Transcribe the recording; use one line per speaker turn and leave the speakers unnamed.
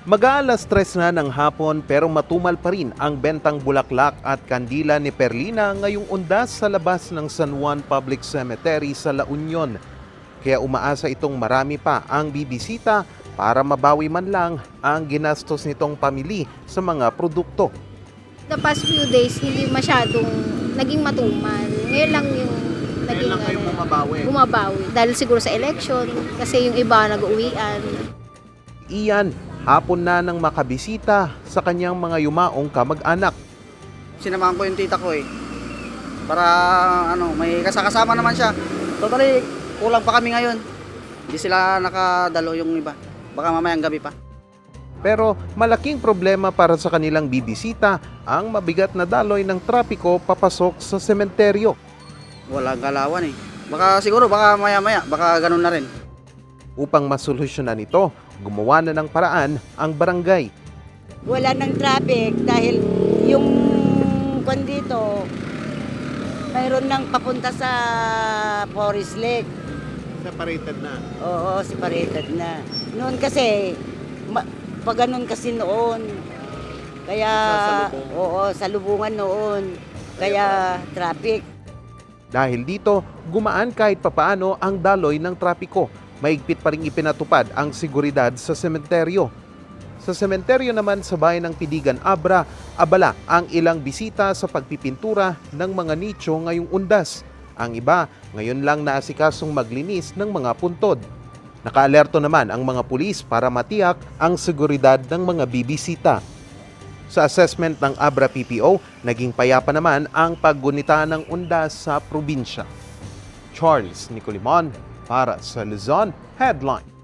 Mag-aalas 3 na ng hapon pero matumal pa rin ang bentang bulaklak at kandila ni Perlina ngayong undas sa labas ng San Juan Public Cemetery sa La Union. Kaya umaasa itong marami pa ang bibisita para mabawi man lang ang ginastos nitong pamili sa mga produkto.
The past few days, hindi masyadong naging matumal. Ngayon lang yung naging bumabawi. Dahil siguro sa election, kasi yung iba nag-uwian.
Iyan, hapon na nang makabisita sa kanyang mga yumaong kamag-anak.
Sinamahan ko yung tita ko para may kasama naman siya. Totally, kulang pa kami ngayon. Hindi sila nakadalo yung iba. Baka mamayang gabi pa.
Pero malaking problema para sa kanilang bibisita ang mabigat na daloy ng trapiko papasok sa sementeryo.
Walang galawan Baka siguro, baka maya-maya, baka ganun na rin.
Upang masolusyonan ito, gumawa na ng paraan ang barangay.
Wala ng traffic dahil yung kwan dito, mayroon nang papunta sa Forest Lake.
Separated na.
Oo, separated na. Noon kasi, pag ganun kasi noon, kaya, salubungan noon, kaya traffic.
Dahil dito, gumaan kahit papaano ang daloy ng trapiko. Maigpit pa rin ipinatupad ang seguridad sa sementeryo. Sa sementeryo naman sa bayan ng Pidigan Abra, abala ang ilang bisita sa pagpipintura ng mga nicho ngayong undas. Ang iba, ngayon lang naasikasong maglinis ng mga puntod. Nakaalerto naman ang mga pulis para matiyak ang seguridad ng mga bibisita. Sa assessment ng Abra PPO, naging payapa naman ang paggunita ng undas sa probinsya. Charles Nicolimon para sa Luzon Headline.